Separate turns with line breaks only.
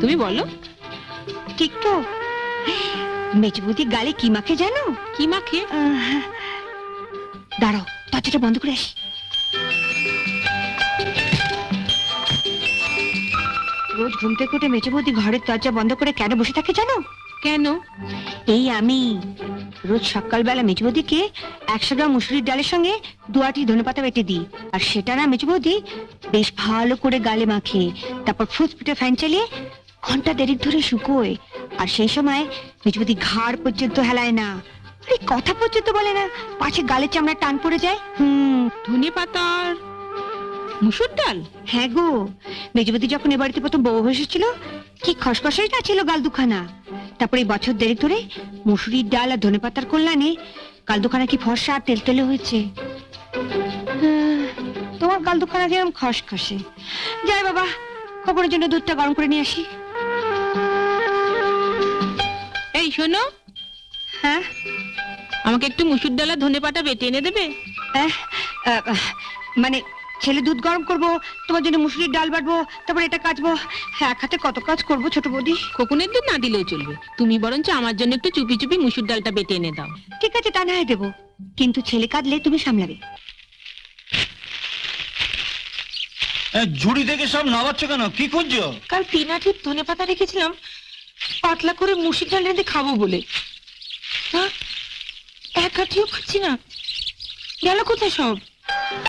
তুমি বলো।
ঠিক তো। মেজবুদি গালে কি মাখে জানো?
কি মাখে?
দাঁড়াও, দরজাটা বন্ধ করে আসি। রোজ ঘুম থেকে উঠে মেজবুদি ঘরের দরজা বন্ধ করে কেন বসে থাকে জানো?
কেন?
এই আমি রোজ সকালবেলা মেজবুদিকে 100 গ্রাম মুসুরির ডালের সঙ্গে 2 আঁটি ধনেপাতা বেটে দিই, আর সেটা না মেজবুদি বেশ ভালো করে গালে মাখে, তারপর ফুসফুটে ফ্যান চালিয়ে ঘন্টা দেড়েক ধরে শুকোয়। আর সেই সময় মেজবুদি ঘাড় পর্যন্ত হেলায় না, আরে কথা পর্যন্ত বলে না, পাছে গালের চামড়া টান পড়ে যায়।
ধনে পাতার মুসুর ডাল?
হ্যাঁ গো, মেজবুদি যখন এ বাড়িতে প্রথম বউ এসেছিল কি খসখসাই না ছিল গাল দুখানা। তারপরে এই বছর দেড়েক ধরে মুসুরির ডাল আর ধনেপাতার কল্যাণে গাল দুখানা কি ফর্সা আর তেলতেলে হয়েছে। তোমার গাল দুখানা যেরকম খসখসে। যাই বাবা, খবরের জন্য দুধটা গরম করে নিয়ে আসি।
এই শোনো,
হ্যাঁ,
আমাকে একটু মুসুর ডাল আর ধনে পাতা বেটে এনে দেবে?
মানে ছেলে দুধ গরম করবো, তোমার জন্য মুসুরির ডাল বাটবো, তারপর এটা কাচবো, এক হাতে কত কাজ করবো ছোট বৌদি।
খোকনের দুধ না দিলেও চলবে, তুমি বরঞ্চ আমার জন্য একটু চুপি চুপি মুসুর ডালটা বেটে এনে দাও।
ঠিক আছে, তা না হয় দেবো, কিন্তু ছেলে কাঁদলে তুমি সামলাবে।
ঝুড়ি থেকে সব নামাচ্ছ কেন? কি খুঁজছো?
কাল 3 আঁটি ধনে পাতা রেখেছিলাম পাতলা করে মুসুর ডাল রেঁধে খাবো বলে, এক আঁটিও পাচ্ছি না, গেল কোথায় সব?